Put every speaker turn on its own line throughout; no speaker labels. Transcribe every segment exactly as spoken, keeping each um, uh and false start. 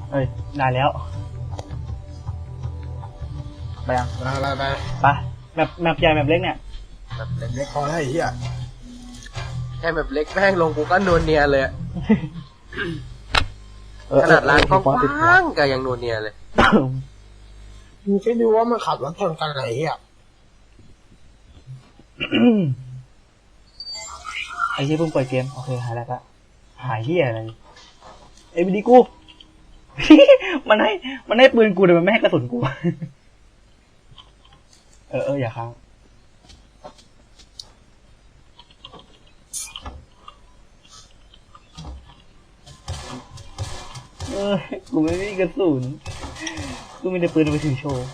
เอ้ยได้แล้วไปยัง
มาไปไป
ไปแมปแมปใหญ่แมปเล็กเนี่ย
แบบเล็กๆพอแล้วไอ้เหี้ย
แค่แบบเล็กแม่งลงกูก็นวลเนียเลยขนาดร้านกว้างๆก็ยังนวลเนียเลย
มึงคิดดูว่ามันขับรถชนกันอะไรเหี้ย
ไอ้ที่เพิ่งเปิดเกมโอเคหายแล้วก็หายเหี้ยอะไรเอ้ยดีกู มันให้มันให้ปืนกูแต่มันไม่ให้กระสุนกู เออเอออย่าค้างเออกูไม่มีกระสุนกูมีแต่ปืนเอาไปถือโชว์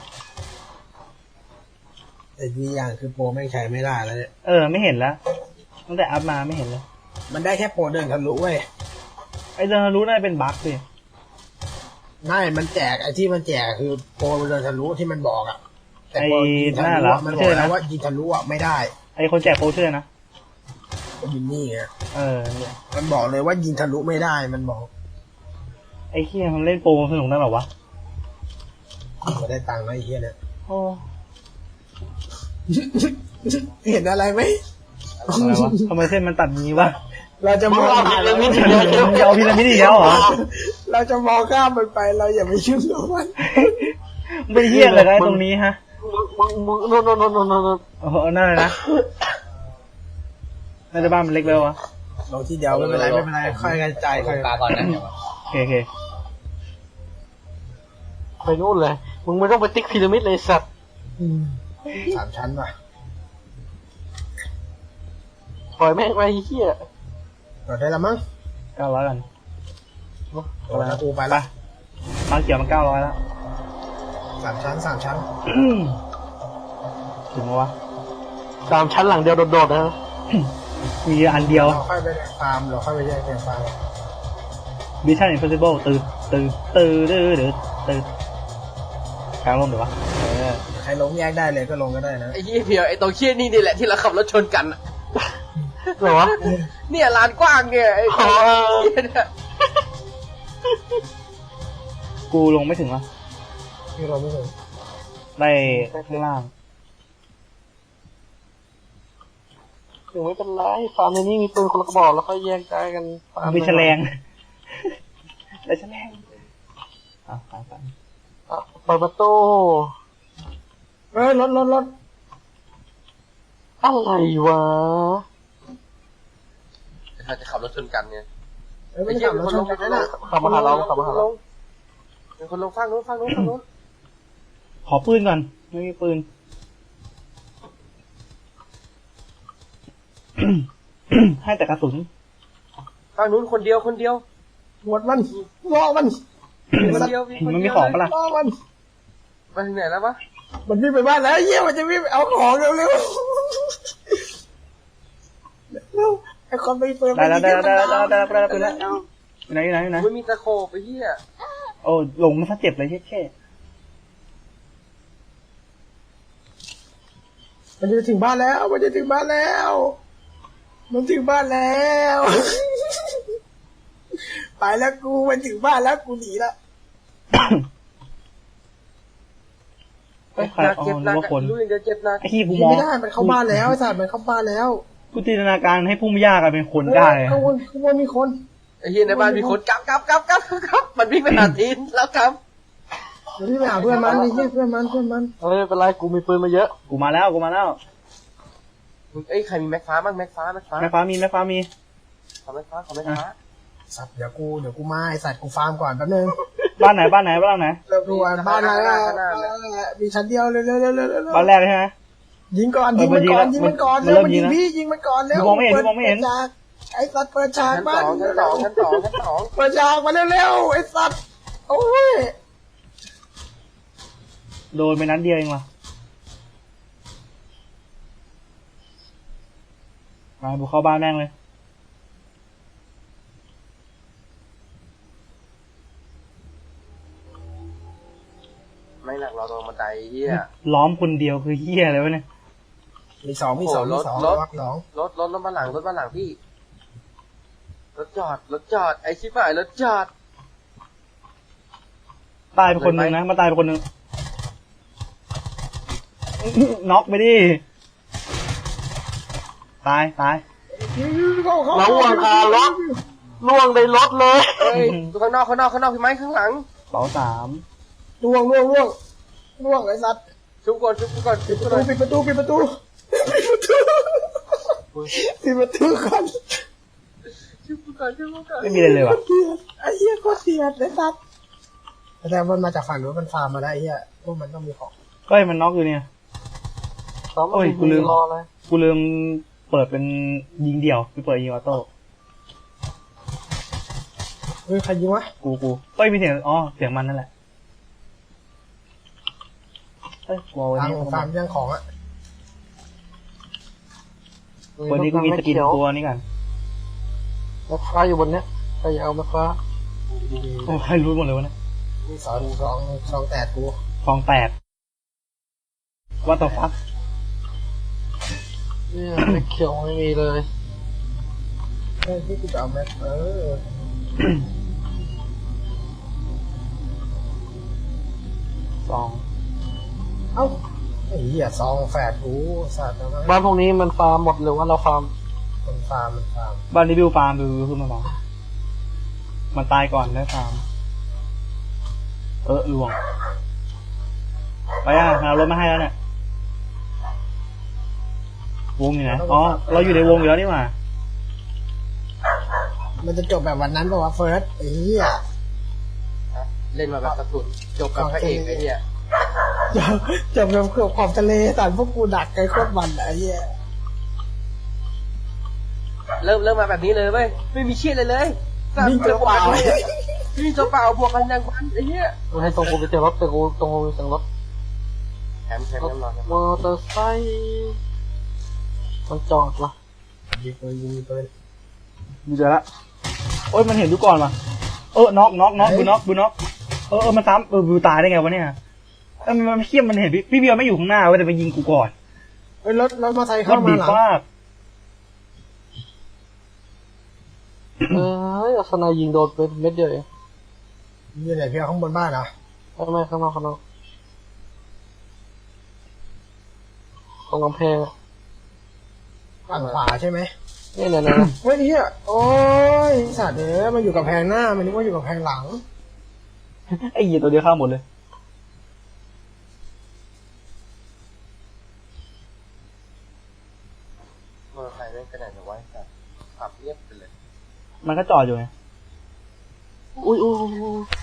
แต่ดีอย่างคือโปรแม่งใช้ไม่ได้แล้วเนี่ย
เออไม่เห็นแล้วตั้งแต่อัพมาไม่เห็นเลย
มันได้แค่โปรเดินทะลุเว้ย
ไอ้เดินรู้น่าจะเป็นบั๊กดิ
ไม่มันแจกไอ้ที่มันแจกคือโปรเดินทะลุที่มันบอกอะแต่
ไอ้
โปรยิง
ห
ทะ
น้า
ลุ
เหรอ
อะมัน
ไม่
บอ
ใช่
กแล้
นะ
วว่ายิงทะลุอะไม่ได้
ไอ้คนแจกโปรเชื่อนะ
ยิงนี่ไง
เออเนี่ย
มันบอกเลยว่ายิงทะลุไม่ได้มันบอก
ไอ้เฮียมันเล่นโปรสนุกนั่นหรอวะ
ไม่ได้ตังค์แล้วไอ้เหี้ยเนี่ย
โอ้
เห็นอะไรไหม
อะไรวะทำไมเส้นมันตัดงี้วะ
เราจะมอง
มึงจะเอาพีระมิดอีกแล้วเหรอ
เราจะมองข้ามมันไปเราอย่าไปยุ่งกับมัน
มึงเป็นเฮียอะไรกันไอ้ตรงนี้ฮะ
มึงมึงโน่นโน่นโน่นโน่นโน่น
โอ้โหนั่นเลยนะน่าจะบ้านมันเล็กไปวะ
ลงทีเดียวไม่เป็นไรไม่เป็นไรค่อยกระจายค่อย
ตาก่อนนะ
โอเคโอเค
ไปนู่นเลยมึงไม่ต้องไปติ๊กพีระมิดเลยสัตว์
สามชั้นป่ะ
ปล่อยแม่งไปเฮีย
ต่อได้ละมั้ง
เก้าร้อยกัน
โอ้แล้วกูไป
ไป
ละ
มาเกี่ยวมันเก้าร้อยแล้ว
สามชั้นสามชั้น
ถึงวะ
สามชั้นหลังเดียวโดดๆนะ
มีอันเดียว
เราค่อยไปฟาร์มเราค่อยไปแยกเป็นฟาร์ม
Mission Impossible ตื่นตื่นตื่นตื่นตื่นตื่นกลางร่มเดี๋ยววะเออ
ใครลงแยกได้เลยก็ลงก็ได้นะ
ไอ้เหี้ยเพียวไอ้ตรงเชี่ยนี่นี่แหละที่เราขับรถชนกันอะเหรอวะเนี่ยลานกว้างเนี่ยไอ้เหี้ยเนี่ย
กูลงไม่ถึงวะ
ที่เราไม่ถึง
ได้ข้างล่าง
ถึงไม่เป็นไรฟาร์มในนี้มีปืนคนละกระบอกแล้วก็แยกย้ายกันฟาร์ม
มีแฉลงได้แฉลงอ่ะไปไป
อ่ะเปิดประตู
เฮ้ยรถรถรถ
อะไรวะเขาจะขับรถชนกันเนี่ย
เฮ้ยไม่ขับรถชนกันนะ
ขับมาหาเราขับมาหาเราเป็นคนลงฟังนู้นฟังนู้นฟังนู้น
ขอปืนก่อนไม่มีปืน ให้แต่กระสุน
ฟังนู้นคนเดียวคนเดียว
หมดมันรอมัน
คนเดียว
มันมีของปะล่ะ
รอมัน
มาถึงไหนแล้ววะ
มันวิ่งไปบ้านแล้วเยี่ยมันจะวิ่งไปเอาของเร็วเร็วเร็วไอ้คนไปเปิด
ได้แล้วได้แล้วได้แล้วได้แล้วได้แล้วปืนแล้วอยู่ไหนอยู่ไหนอยู่ไหน
ไม่มีตะโขบไอ้เหี้ย
โอ้หลงมันซะเจ็บเลยเช่เช่
มันจะถึงบ้านแล้วมันจะถึงบ้านแล้ว มันถึงบ้านแล้ว ไปแล้วกูมันถึงบ้านแล้วกูหนีละ
ไอ้ใครอ๋อ
เจ็บห
นึ
นั
ก
ก
ว่าคน
รู้ยังจะเจ็บหนัก
ไอ้ที่กู
หนี
มอง
ไม่ได้มันเข้าบ้านแล้วไอ้สัตว์มันเข้าบ้านแล้ว
กูจินตนาการให้พุ่มหญ้ากลายเป็นคนได้
ข้างบนข้างบนมีคน
ไอ้เหี้ยในบ้านมีคนกลับกลับกลับกลับกลับมันวิ่งไปหาทีนแล้วกลับ
เดี๋ยวพี่ไปหาเพื่อนมันไอ้เหี้ยเพื่อนมันเพื่อนมัน
เออเป็นไรกูมีปืนมาเยอะ
กูมาแล้วกูมาแล้ว
เอ้ยใครมีแม็กฟ้าบ้างแม็กฟ้าแม็กฟ้า
แม่ฟ้ามีแม่ฟ้ามี
ขอแม็กฟ้าขอแม็กฟ้า
สัตว์เดี๋ยวกูเดี๋ยวกูมาไอ้สัตว์กูฟาร์มก่อนแป๊บนึง
บ้านไหนบ้านไหนบ้านไหน
เราดูว่าบ้านอะไรอ่ะมีชั้นเดียวเร็วเร็วเร็วเร็วเร็ว
บ้านแรกเลยใช่ไหม
ยิงก่อนยิงมันก่อนยิงมันก่อน
มัน
เร็ว
เริ่ม
มัน
ยิ
ยิ
ง
ง
นะ
พี่ยิงมันก่อนเร็ว
มองไม่เห็นมองไม่เห็น
ปิดฉากไอ้สัตว์เปิดฉาก
ชั้น
บ้า
ส
น
องชั้นสองชั้นสองชั้นสอง
เปิดฉากมาเร็วๆไอ้สัตว์โอ้ย
โดนไปนัดเดียวเองว่ะมาบุกเข้าบ้านแม่งเลย
ไม่หนักเราตรงบันไดเหี้ย
ล้อมคนเดียวคือเฮียอะไรวะเนี่ย
มีสองมีสองมีสองล็อกสอง
รถรถรถมาหลังรถมาหลังพี่รถจอดรถจอดไอ้ชิบหายรถจอด
ตายไปคนหนึ่งนะมาตายไปคนหนึ่งน็อกไปดิตายตาย
เรา
ล่วงคารถล่วงในรถเลยเฮ้ยข้างนอกข้างนอกข้างนอกพี่ไม้ข้างหลัง
เป๋าสาม
ล่วงล่วงล่วงล่วงไอ้สัตว์
ชุบก่อนชุบก่อนชุบก่อน
ปิดประตูปิดประตูปิดประตูก่อน
ชุบก่อนชุบก่อน
ไม่มีอะไรเลยว่ะ
ไอ้เหี้ยโคตรเสียดไอ้สัตว์แต่มันมาจากฝั่งนู้นมันฟาร์มมาได้ไอ้เหี้ยพวกมันต้องมีของ
ก็ให้มันน็อกอยู่เนี่ยโอ้ยกูลืมกูลืมเปิดเป็นยิงเดี่ยวไปเปิดยิงออโต้
เฮ้ยใครยิงวะ
กูกูเอ้ยมีเสียงอ๋อเสียงมันนั่นแหละเอ้ยวอลวัน
ฟาร์
นี้
มฟาร์มย่างของอะ
วันนี้กูมีสกินตัวนี้กัน
แม่ค้าอยู่บนเนี้ยใครอยากเอาแม่ค้า
โอ้ใครรู้หมดเลยวะเนี่ย
มีสองสองสองแตดกู
ฟองแตกว่าต่อฟัก
เนี่ยแม่เขียวไม่มีเลย
เฮ้ยที่กูจะเอาแม็กเออ
สอง
เอ้าไอ้เหี้ยซองแฝดกูสัตว์นะ
บ้านพวกนี้มันฟาร์มหมดหรือว่าเราฟาร์ม
มันฟาร์มมันฟาร์ม
บ้านนี้บิวฟาร์มบิวขึ้นมาบอกมันตายก่อนได้ฟาร์มเออลวงไปอ่ะเอารถมาให้แล้วเนี่ยวงอยู่ไหนอ๋อเราอยู่ในวงอยู่แล้วนี่หว่า
มันจะจบแบบวันนั้นป่าวะเฟิร์สไอ้เหี้ย
เล่นมาแบบกระสุนจบกับพระเอกไอ้เหี้ย
จบจบแบบเกือบขอบทะเลแต่พวกกูดักไกลโคตรมันอะไอ้เหี้ย
เริ่มเริ่มมาแบบนี้เลยเว้ยไม่มีเชี่ยเลยเลย
วิ่งตัวเปล่า
วิ่งตัวเปล่าบวกกันยังวันไอ้เหี้ย
มันให้ตรงกูไปเจอรถแต่กูตรงกูไปเจอรถ
แถมแถม
รถ
น้ำร้อน
มอเตอร์ไซค์มันจอดละ
ยิงปืนยิงปืน
มีเจอละโอ้ยมันเห็นดูก่อนว่ะเออน็อกน็อกน็อกบูน็อกบูน็อกเออเออมันซ้ำเออบูตายได้ไงวะเนี่ยเออมันมันเขี้ยมมันเห็นพี่พี่เบียร์ไม่อยู่ข้างหน้าเว้ยแต่ไปยิงกูก่อน
เฮ้ยรถรถมอเตอร์ไซค์
ร
เข้า
ถ
มา
ดี
หลัง
มาก
เอ้ยเอาสนายยิงโดนเป็นเม็ดเดียวเอง
อยู่ไหนพี่เอาข้างบนบ้านเหรอ
ไม่ไม่ข้างนอกข้างนอกตรงกำแพงอะ
ฝั่งขวาใช่ไหม
นี่เนี่ยเนี่ย
เฮ้ยเหี้ยโอ้ยสัตว์เอ้ยมันอยู่กับแพงหน้ามันนึกว่าอยู่กับแพงหลัง
ไอ้เหี้ยตัวเดียวฆ่าหมดเลย
มอเตอร์ไซค์แม่งขนาดไหนวะสัตว์ขับเรียบไปเลย
มันก็จอดอยู่ไง
อุ้ยอุ้ยอุ้ยอุ้ย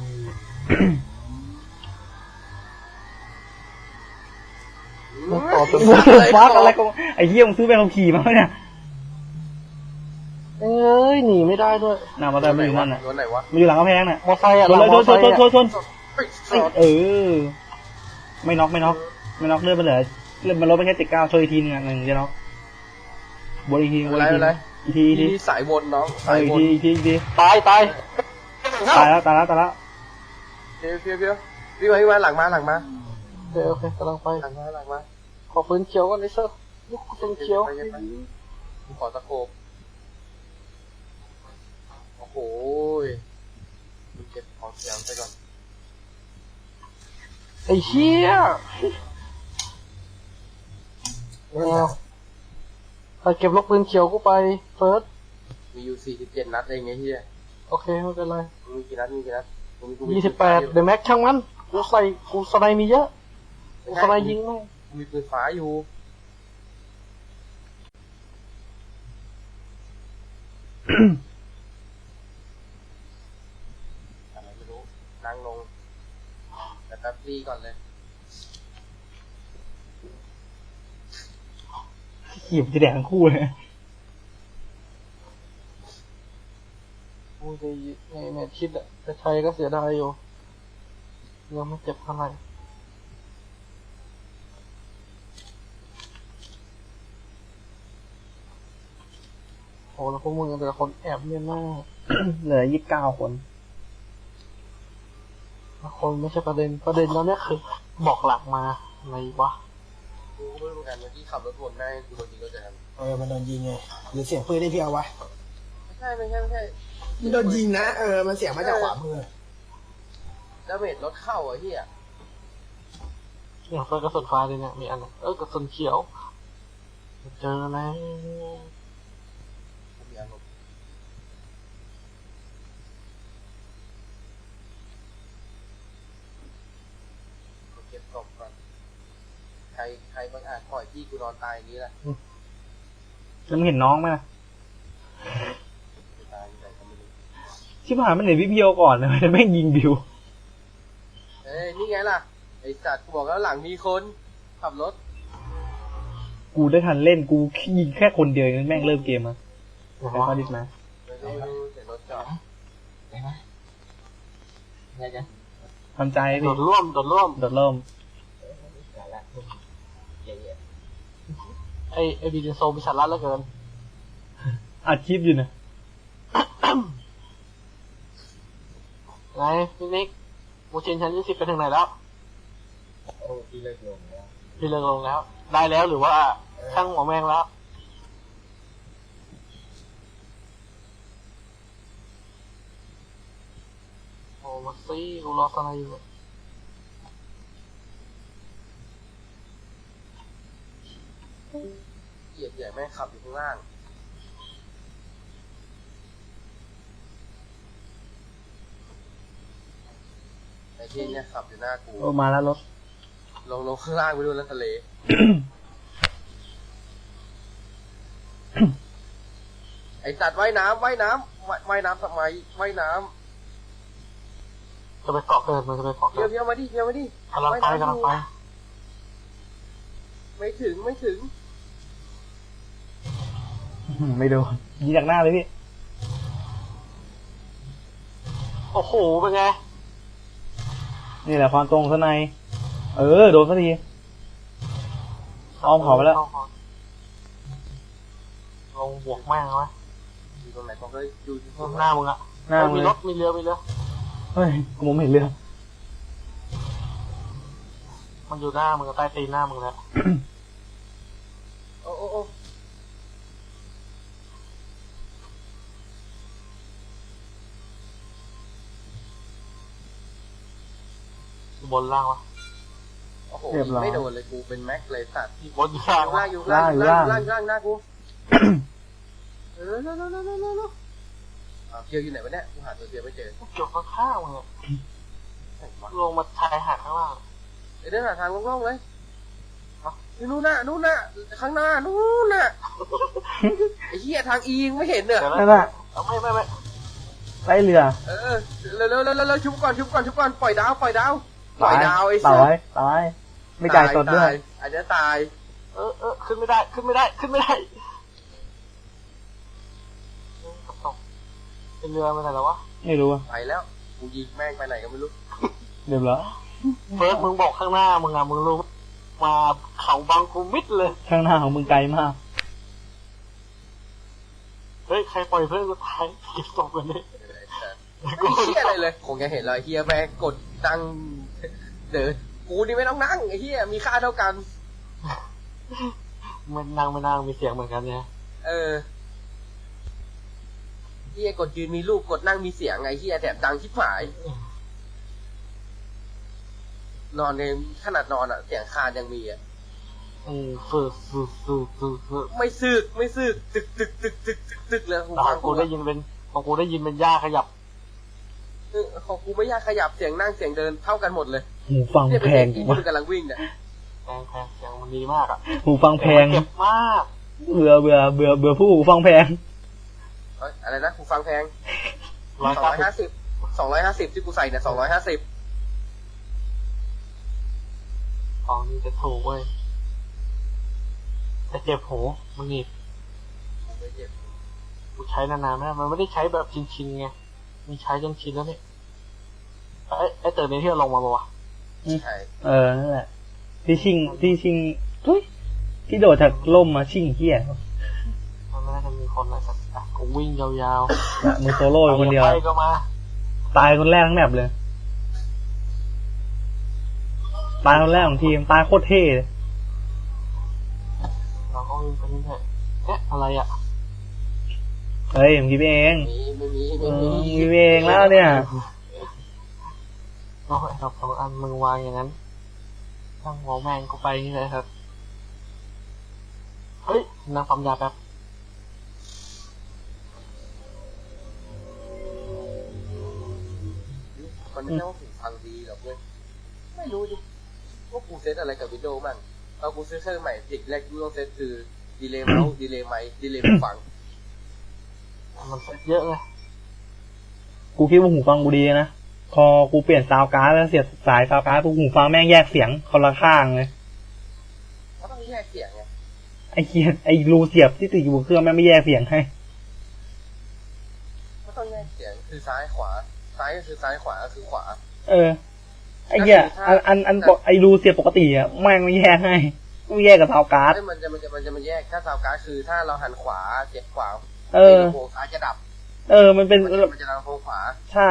มันต่อจน
ฟักอะไรก็ไอ้เหี้ยมึงซื้อไปขับขี่มาเนี่ย
เอ้ยหนีไม่ได้ด้วย
น่ามาแต่ไม่อยู่นั่นน่ะ
รถไหนวะ
มันอยู่หลังกำแพงน่ะ
มอไซค์อะ
ชนเลย
ม
ช
อน ไซ
ชน
ค์
ชนชน
อะ
ชนเออไม่น็อกไม่น็อกไม่น็อกเลื่อนไปเหลือเลื่อนมันลดไปแค่เจ็ดเก้าชนอีกทีนึงอ่ะหนึ่งจะน็อกบนอีกทีบนอีกทีอีกทีอีกที
ที่สายวนน้อง
เอ
สา
อย อีก
ว
ที
น
อีกทีอีกที
ตายตาย
ตายแล้วตายแล้วตายแล้ว
เพียวเพียวเพียวพี่มาพี่มาหลังมาหลังมา
โอเคโอเคกำลังไป
หลังมาหลังมา
ขอปืนเขียวก่อนไอ้เซอร์ลูกปืนเขียว
ไปไปไปผมขอตะโขบโอ้โหมึงเก็บของเสียงไปก่อน
ไอ้เชี่ยเอาไปเก็บลูกปืนเขียวกูไปเฟิร์ส
มีอยู่สี่สิบเจ็ดนัดเองไงเฮีย
โอเคไม่เป็นไร
มึงมีกี่นัดมีกี่นัดมึงมีกูมี
ยี่สิบแปดเดอะแม็กช่างมันกูใส่กูสไนมีเยอะกูสไนยิงไม่
กูมีปืนฟ้าอยู่อะไรไม่รู้นั่งลงแต่แป๊บรีก่อนเลย
ขี่มันจะแดกทั้งคู่เลย
กูจะในแมทคิดอะแต่ชัยก็เสียดายอยู่ยังไม่เจ็บเท่าไหร่โอ้แล้วพวกมึงแต่ละคนแอบเนียนมาก
เหลือยี่สิบเก้าคน
คนไม่ใช่ประเด็นประเด็นแล้วเนี่ยคือบอกหลักมาอะไรวะ
กูก็ไม่รู้เหมือนกันเมื่อกี้ขับรถวนแม่งกูโดนยิงรถจักรยาน
เออมันโดนยิงไงหรือเสียงปืนได้พี่เอาวะ
ไม่ใช่ไม่ใช่ไม่ใช่
มันโดนยิงนะเออมันเสียงมาจากขวามือ
ไดาเมจลดเข้าอ่ะเฮีย
อย่างเฟิร์กระสุนฟ้าเลยเนี่ยมีอันเออกระสุนเขียวเจอแล้ว
มีอารมณ์เก็บศพก่อนใครใครบางอาจปล่อยที่กูนอนตายอย่างนี้แหละ
แล้วมึงเห็นน้องไหมล่ะ
ตายอยู่ไหนก็ไม่รู้
ชิบหายมันเห็นพี่เพียวก่อนเลยแม่งยิงบิว
เอ้ยนี่ไงล่ะไอสัตว์กูบอกแล้วหลังมีคนขับรถ
กูได้ทันเล่นกูยิงแค่คนเดียวเองแม่งเริ่มเกมมา
นะ
ใครฟาดิสมา
ไม่รู้ไม่รู้แต่รถจอด
ได้ไหมไงกัน
ทำใจ
โด
พี่
ดร่วมโดดร่วม
โดดเริ่ม
ได้ละเย่
ไอไอบีเดนโซมีสาระเหลือเกิน
อัดคลิปอยู่นะ
ไงพี่นิกโมชินชั้นยี่สิบไปถึงไหนแล้ว
โอ้พี่เลิกลงแล้ว
พี่เลิกลงแล้ว ได้แล้วหรือว่าช่างหัวแมงแล้วโอ้มาซี่กูรอสไนอยู่
เหยียบใหญ่แม่งขับอยู่ข้างล่างไอ้ที่เนี่ยขับอยู่หน้ากู
โอ้มาแล้วรถ
ลงลงข้างล่างไปดูแล้วทะเล ไอ้สัตว์ว่ายน้ำว่ายน้ำว่ายว่ายน้ำทำไมว่ายน้
จะไปเกาะเกินมันจะไปเกาะ
ำ
เกิ
เพียวน เพียวมาดิเพียวมาดิ
กำลังไปกำลังไป
ไม่ถึงไม่ถึง
ไม่โดนยิงจากหน้าเลยพี่
โอ้โหเป็นไง
นี่แหละความตรงข้างในเออโดนสักทีอ้อมขอไปแล้ว
ลงบวกแม่งเอาไว้
อยู่ตรงไหนบอกเลยอยู่ที่ตรง
หน้ามึงอะ
หน้ามึง
มี
เลย
รถมีเรือมีเรือ
เฮ้ยกูมองไม่เห็นเรือ
มันอยู่หน้ามึงกับใต้ตีนหน้ามึงแล้ว
โอ้โอ้โอ้
บนล่างวะ
โอ้โหยิงไม่โดนเลยกูเป็นแม็กเลยสัตว์
บนอยู่ล่าง
อยู่
วะ
ล่างอยู่ล่างอยู่ล่างอยู่ล่างอยู่ล่างหน้ากูเออเร็วเร็วเร็วเร็วเร็วเร็วอ้าวเพียวอยู่ไหนวะเนี่ยกูหาตัวเพียวไม่เจอ
เกี่ยวข้างๆมึงอะ
ไหนวะ
ลงมาชายหาดข้างล่าง
เดี๋ยวเดินหาทางโล่งๆเลยนู่นน่ะนู่นน่ะข้างหน้านู่นน่ะไอ้เหี้ยทางอีงไม่เห็นเนี่ย
เดี๋ยว
นั่น
นะ
น่ะ
เอาไม่ไม่ไม่
ไล่เรือ
เออเร็วเร็วเร็วเร็วชุบก่อนชุบก่อนชุบก่อนปล่อยดาวปล่อยดาวปล่อยดาวไอ้
ตา
สั
ยตายไม่จ่ายสดด้วย
อันนี้ตาย
เออเออขึ้นไม่ได้ขึ้นไม่ได้ขึ้นไม่ได้เออตกเป็นเรือมาไหนแล้ววะ
ไม่รู้อะ
ไปแล้วกูยิงแม่งไปไหนก็ไม่รู้
เดี๋ยวเหรอ
เฟิร์สมึงบอกข้างหน้ามึงอะมึงรู้มาเขาบางกูมิดเลย
ข้างหน้าของมึงไกลมาก
เฮ้ยใครปล่อยเพื่อนกูตายเก็บศพกันดิ
ไม่เฮียอะไรเลยคงจะเห็นเลยเฮียแม่งกดตั้งเดินกูนี่ไม่ต้องนั่งไอ้เฮียมีค่าเท่ากัน
มันนางไม่นางมีเสียงเหมือนกันเนี่ย
เออเฮียกดยืนมีรูปกดนั่งมีเสียงไงเฮียแถมดังชิบหาย นอนในขนาดนอนอ่ะเสียงคานยังมีอ่ะ
อืมฝึกฝึกฝึกฝึกฝึก
ไม่ซึกไม่ซึกตึกตึกตึกตึกตึกตึกเลยหู
แต่ข
ฟั
อง งกูได้ยินเป็นของกูได้ยินเป็นหญ้าขยับ
เออของกูไม่ยากขยับเสียงนั่งเสียงเดินเท่ากันหมดเลย
หูฟัง
เนี่ย
แพ
เป็นเสีย
ง
งที่
วะ
มันกำลังวิ่งเนี่ย
แพงแพงเสียงมันดีมากอ่ะ
หูฟังแพง
เจ็บมาก
เบื่อเบื่อเบื่อเบื่อผู้หูฟังแพง
เอ้ยอะไรนะหูฟังแพง
ร้อย
สอง
เก้า
ร้อยห้า
สิบ
สิบสองร้อยห้าสิบที่กูใส่เนี่ยสองร้อยห้าสิบ
ของนี่จะถูกเว้ยแต่เจ็บหูมันหนีบ
ไม่เจ็บ
กูใช้นานๆไม่ได้มันไม่ได้ใช้แบบชินๆไงมีใช้จนชินแล้วเนี่ยไอ้ไอ้เติร์นี้ที่เราลงมาบอกว่า
ใช่
เออนั่นแหละที่ชิงที่ชิงทุยที่โดดจากล่มมาชิงเหี้ย
มันไม่น่าจะมีคนอะไรสักอ่ะกูวิ่งยาว
น่ะมือโซโล่
ๆ
อยู่คนเดียว
ไปก็มา
ตายคนแรกทั้งแมปเลย ตายคนแรกของทีม ตายโคตรเท่เลย
เราก็วิ่งไปเรื่อยๆเอ๊ะอะไรอ่ะ
เฮ้ยผมคิดเอง
มีไม่มี
อื
ไม่
ม
มี
คิดเองแล้วเนี่ย
เเอาไอ้ดอกสองอันมึงวางอย่างนั้นตั้งหัวแมงกูไปนี่เลยครับเฮ้ยนั่งปั๊มยาแป๊บ
มันไม่ใช่ว่าหูฟังดีหรอกเว้ยไม่รู้ดิว่ากูเซตอะไรกับวิดีโอมั่งตอนกูซื้อเครื่องใหม่สิ่งแรกกูต้องเซตคือดีเลย์เมาส์ดีเลย์ไมค์ดีเลย์หูฟัง
มันเซ็ตเยอะเลย
กูคิดว่าหูฟังกูดีนะพอกูเปลี่ยนซาวด์การ์ดแล้วเสียบสายซาวด์การ์ดปุ๊บหูฟังแม่งแยกเสียงคนละข้างเลย
ก็ต้องแยกเสียงไง
ไอ้เคียไอ้รูเสียบที่ติดอยู่บนเครื่องแม่งไม่แยกเสียงให้
ก็ต้องแยกเสียงคือซ้ายขวาซ้ายก็คือซ้ายขวาก็คือขวา
เออไอ้เหี้ยอันอันอันปกไอ้รูเสียบปกติอ่ะแม่งไม่แยกให้ไม่แยกกับซาวด์การ์ด
เอ้ยมันจะมันจะมันจะมันแยกถ้าซาวการ์ดคือถ้าเราหันขวาเสียบขวา
เออ
ลำโพงซ้ายจะดับ
เออมันเป็น
มันจะมันจะดังลำโพงขวา
ใช่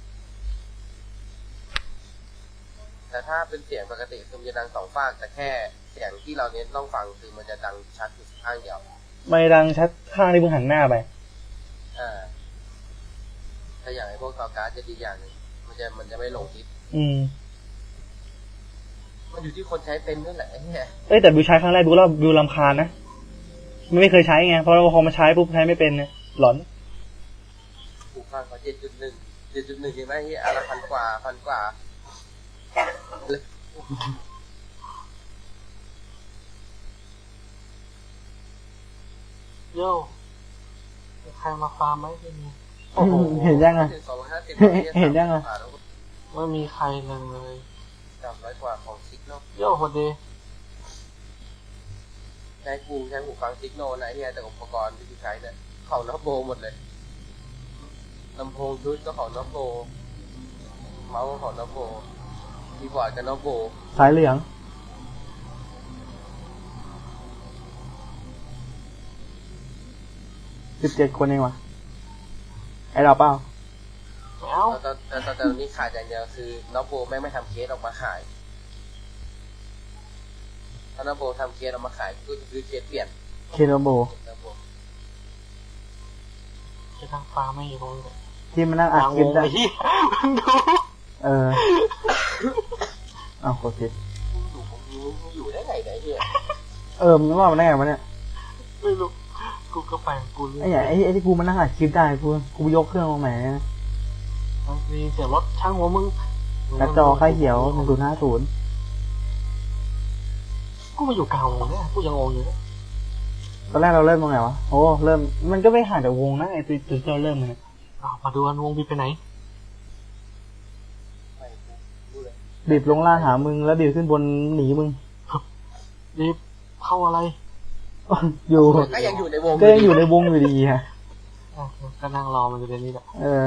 แต่ถ้าเป็นเสียงปกติคือมันจะดังสองฝากแต่แค่เสียงที่เราเน้นต้องฟังคือมันจะดังชัดอยู่ข้างเดียว
ไม่ดังชัดข้างที่มึงหันหน้าไป
อ่าถ้าอย่างไอ้พวกซาวการ์ดจะดีอย่างหนึงมันจะมันจะไม่หลงทิศ
อืม
มันอยู่ที่คนใช้เป็นด้วยแหละไอ้เนี่ย
เอ้ยแต่บิวใช้ครั้งแรกบิวแล้วบิวรำคาญนะมันไม่เคยใช้ไงเพราะว่าพอมาใช้ปุ๊บใช้ไม่เป็นเนี่ยหลอน
หูฟังเขาเจ็ดจุดหนึ่งเจ็ดจุดหนึ่งเห็นไหมเฮียอะไรพันกว่าพันกว่าเลย
โย่มีใครมาฟาร์มไหมที่นี่
โอ้โหเห็นยังไง
สองร้อยห้าสิบ
เห็นยังไง
ไม่มีใครเลย
สามร้อยกว่าของซิกโน
โย่พอดี
ใช้กูใช้หูฟังซิกโนนะเฮียแต่อุปกรณ์ที่กูใช้เนี่ยของน็อปโบหมดเลยลำโพงชุดก็ของน็อปโบเมาส์ก็ของน็อปโบคีย์บอร์ดกับน็อปโบ
สายเหลืองสิบเจ็ดคนเองวะไอเราเปล่า
แมว
ตอนตอนตอนตอนนี้ขาดอย่างเดียวคือน็อปโบแม่งไม่ทำเคสออกมาขายถ้าน็อปโบทำเคสออกมาขายกูจะซื้อเคสเปลี่ยน
เคโนโบ
น็อปโบ
จะทางฟาร์มไม่อยู่ตรงนี้
ที่มันนั่งอัด
วาง
คลิป
วง
ได้
ไอ้ที่มึงดู
เอออ้าวโอเค
อยู่อยู่ได้ไงเนี่ยไอ้เฮีย
เออมันว่ามันได้ไงวะเนี่ย
ไม่รู้กูก็ไปของกูเรื่
ไอ้เนี่ยไอ้ไอ้ที่กูมันนั่งอัดคลิปได้กูกูยกเครื่องมาใหม่นะ
มีเสียงรถช่างหัวมึง
กระจอค่ายเขียวหนึ่งศูนย์ห้าศูนย์
กูมาอยู่กลางวงเนี่ยกูยังงงอยู่เนี่ย
ตอนแรกเราเริ่มตรงไหนวะโอ้เริ่มมันก็ไม่ห่างจากวงนะไอ้ตัวตัวที่เราเริ่มเลย
อ้าวมาดูกันวงบีไปไหน
ไม่รู้เลย
บีบลงล่างหามึงแล้วบีบขึ้นบนหนีมึง
รีบเข้าอะไร
อยู่
ก็ยังอยู่ในวง
ก็ยังอยู่ในวงอยู่ดีฮะ
อ่ะก็นั่งรอมันอยู่ในนี้แหละ
เออ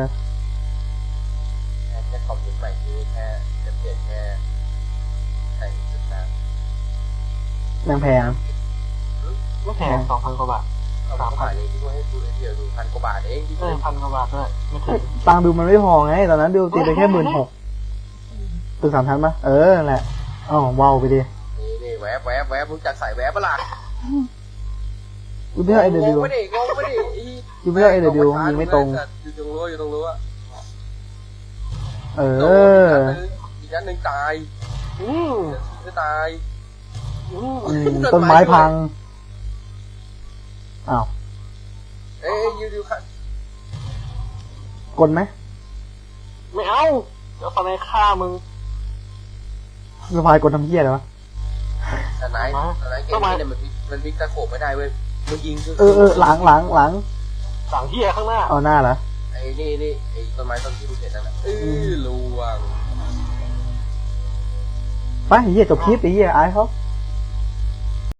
แค่คอมพิวเตอร์ใหม่คือแค่จะเปลี่ยนแค่ใส่จุดน้ำ
แพงแพง
ไม่แพงสองพันกว่าบาท
เอาสามพันเองที่ว่าให้ดูเดียวดูพันกว่าบาทเองที่
เออพันกว่าบาทด้วยไม่ถึง
ตังค์บิวมันไม่พอไงตอนนั้นบิวตีไปแค่หมื่นหกตึกสามชั้นปะเออนั่นแหละอ๋อว้าวไปดิ
นี่นี่แวบแวบแวบรู้จักสายแวบปะล่ะ
ยูไม่ใช่ไอเด
ง
บิ
ง
ว
ไม่ได้งงไม่ได้
ยูไม่ใช่ไอเดบิวยิงไม่ตรง
อยู่ตรงรั้วอยู่ตรงรั้ว
เออ
อีกนัดหนึ่งตาย
อืม
จะตาย
อืม
อืมต้นไม้พังอ้าว
เอ้ยยูยูค่ะ
กดไหม
ไม่เอาเดี๋ยวฟันในฆ่ามึง
สะพายกดทำเหี้ยเลยวะ
แต่ไหนแต่ไหนเกมนี้เนี่ยมันมันวิกตะโขบไม่ได้เว้ยมันยิง
เออเออหลังหลังหลัง
สั่งเฮียข้างหน้า
เอาหน้าเหรอ
ไอ้นี่นี่ไอ้ต้นไม้ต้นที่ดูเห็นนั่นแหละเออลวง
ไปเหี้ยจบคลิปไอ้เหี้ยอายเขา
เ